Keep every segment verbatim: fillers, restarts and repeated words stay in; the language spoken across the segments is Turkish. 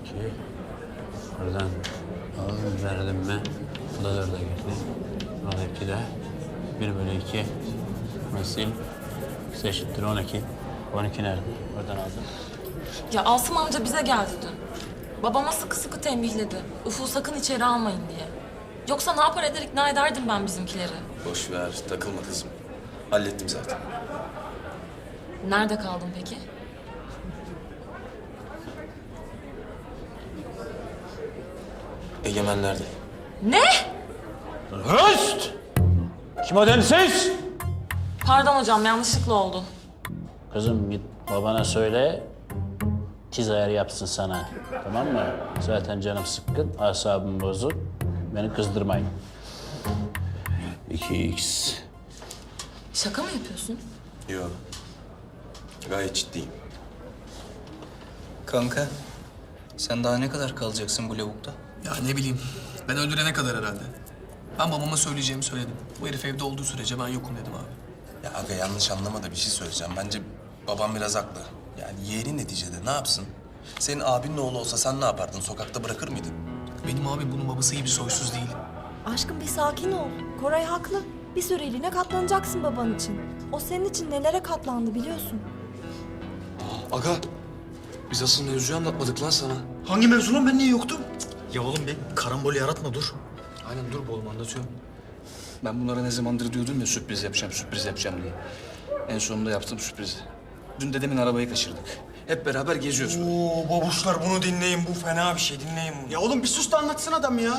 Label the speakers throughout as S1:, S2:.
S1: iki. Buradan alalım, verdim mi? Bu da dörde gitti. Burada iki de. Bir bölü iki. Nasıl? X eşittir on iki. on iki nerede? Oradan aldım.
S2: Ya Asım amca bize geldi dün. Babama sıkı sıkı tembihledi. Ufuk'u sakın içeri almayın diye. Yoksa ne yapar eder ikna ederdim ben bizimkileri.
S3: Boş ver, takılma kızım. Hallettim zaten.
S2: Nerede kaldın peki?
S3: Egemenler'de.
S2: Ne?
S1: Höst! Kim o densiz?
S2: Pardon hocam yanlışlıkla oldu.
S1: Kızım git babana söyle, tiz ayar yapsın sana. Tamam mı? Zaten canım sıkkın, asabım bozuk. Beni kızdırmayın. iki x.
S2: Şaka mı yapıyorsun?
S3: Yok. Gayet ciddiyim.
S4: Kanka, sen daha ne kadar kalacaksın bu lavukta?
S5: Ya ne bileyim, ben öldürene kadar herhalde. Ben babama söyleyeceğimi söyledim. Bu herif evde olduğu sürece ben yokum dedim abi.
S3: Ya aga yanlış anlama da bir şey söyleyeceğim. Bence babam biraz haklı. Yani yeğeni neticede ne yapsın? Senin abinin oğlu olsa sen ne yapardın? Sokakta bırakır mıydın?
S5: Benim abi bunun babası gibi soysuz değil.
S6: Aşkım bir sakin ol. Koray haklı. Bir süreliğine katlanacaksın baban için. O senin için nelere katlandı biliyorsun.
S7: Aga, biz asıl mevzuyu anlatmadık lan sana.
S8: Hangi mevzu lan? Ben niye yoktum?
S7: Ya oğlum bir karambol yaratma dur. Aynen dur oğlum anlatıyorum. Ben bunlara ne zamandır diyordum ya sürpriz yapacağım, sürpriz yapacağım diye. En sonunda yaptım sürprizi. Dün dedemin arabayı kaçırdık. Hep beraber geziyoruz.
S8: Oo babuşlar bunu dinleyin. Bu fena bir şey. Dinleyin bunu. Ya oğlum bir sus da anlatsın adam ya.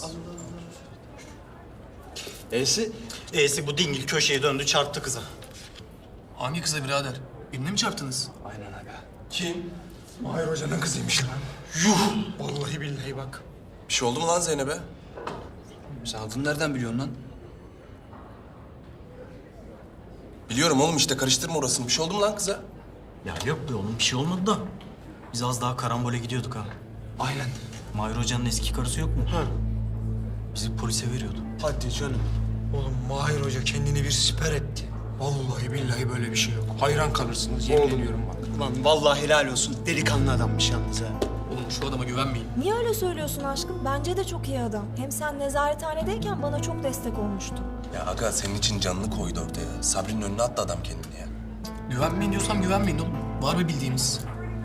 S7: E'si
S8: E'si bu dingil köşeye döndü çarptı kıza.
S5: Hangi kıza birader? Birine mi çarptınız?
S7: aynen aga.
S8: Kim? Mahir Hoca'nın kızıymış lan. Yuh! Vallahi billahi bak.
S3: Bir şey oldu mu lan Zeynep'e?
S7: Sen adını nereden biliyorsun lan?
S3: Biliyorum oğlum işte karıştırma orasını. Bir şey oldu mu lan kıza?
S9: Ya yok be oğlum bir şey olmadı da. Biz az daha karambole gidiyorduk ha.
S7: Aynen.
S9: Mahir Hoca'nın eski karısı yok mu?
S8: Ha.
S9: Bizi polise veriyordu.
S8: Hadi canım. Oğlum Mahir Hoca kendini bir siper etti. Vallahi billahi böyle bir şey yok. Hayran kalırsınız yemin ediyorum bak.
S10: Lan vallahi helal olsun. Delikanlı adammış yalnız ha.
S5: Oğlum şu adama güvenmeyin.
S6: Niye öyle söylüyorsun aşkım? Bence de çok iyi adam. Hem sen nezarethanedeyken bana çok destek olmuştu.
S3: Ya aga senin için canını koydu ortaya. Sabri'nin önüne attı adam kendini ya.
S5: Güvenmeyin diyorsam güvenmeyin oğlum. Var bir bildiğimiz.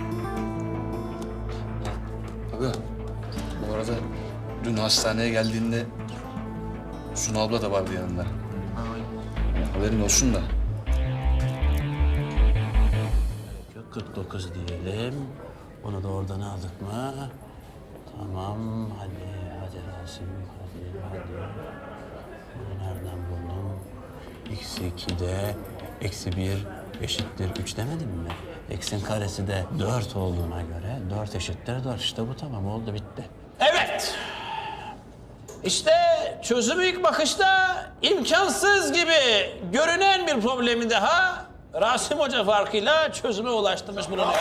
S7: Aga, bu arada dün hastaneye geldiğinde Sunu abla da vardı yanında. Yani haberin olsun da.
S1: Yok, kırk dokuz diyelim. Onu da oradan aldık mı? Tamam, hadi, hadi Rasim, hadi, hadi. Bunu nereden buldum? Eksi iki de, eksi bir eşittir üç demedim mi? Eksin karesi de dört olduğuna göre dört eşittir dört. İşte bu tamam, oldu, bitti. Evet. İşte çözümü ilk bakışta imkansız gibi görünen bir problemi daha Rasim Hoca farkıyla çözüme ulaştırmış bulunuyor.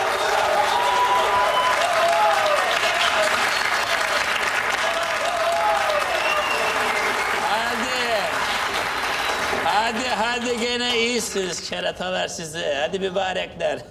S1: Hadi. Hadi hadi gene iyisiniz keratalar sizi. Hadi mübarekler.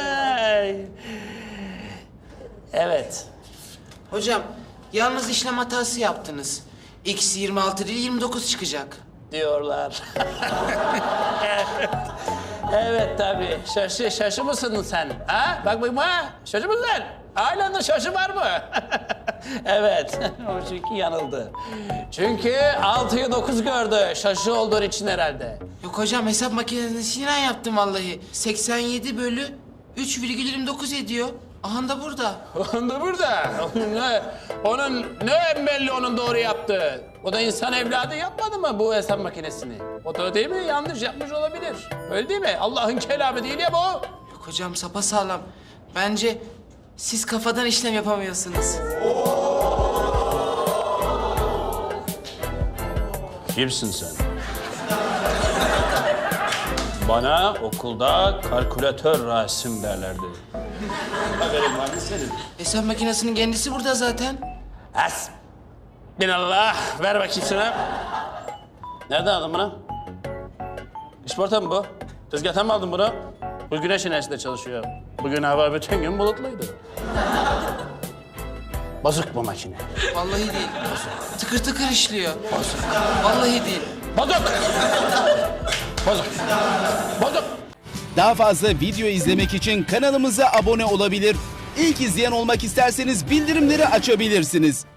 S1: Evet.
S11: Hocam, yalnız işlem hatası yaptınız. X yirmi altı değil, yirmi dokuz çıkacak.
S1: Diyorlar. Evet. Evet tabii. Şaşı, şaşı mısın sen? Ha? Bak bakayım ha? Şaşı mısın? Halen de şaşı var mı? Evet. O çünkü yanıldı. Çünkü altıyı dokuz gördü. Şaşı olduğun için herhalde.
S11: Yok hocam, hesap makinesinden yaptım vallahi. seksen yedi bölü üç virgül yirmi dokuz ediyor. Aha da burada.
S1: Onun da burada. Onun ne, onun ne belli onun doğru yaptığı. O da insan evladı yapmadı mı bu hesap makinesini? O da değil mi? Yanlış yapmış olabilir. Öyle değil mi? Allah'ın kelamı değil ya bu.
S11: Yok hocam, sapasağlam. Bence siz kafadan işlem yapamıyorsunuz.
S1: Kimsin sen? Bana okulda kalkülatör Rasim derlerdi. Haberin var mı senin?
S11: Hesap makinesinin kendisi burada zaten.
S1: Has. Binallah. Ver bakayım şuna. Nereden aldın bunu? İşporta mı bu? Tezgahtan mı aldın bunu? Bu güneş enerjisiyle çalışıyor. Bugün hava bütün gün bulutluydu. Bozuk bu makine.
S11: Vallahi değil. Tıkır tıkır işliyor. Vallahi değil.
S1: Bozuk. Bozuk. Bozuk.
S12: Daha fazla video izlemek için kanalımıza abone olabilir. İlk izleyen olmak isterseniz bildirimleri açabilirsiniz.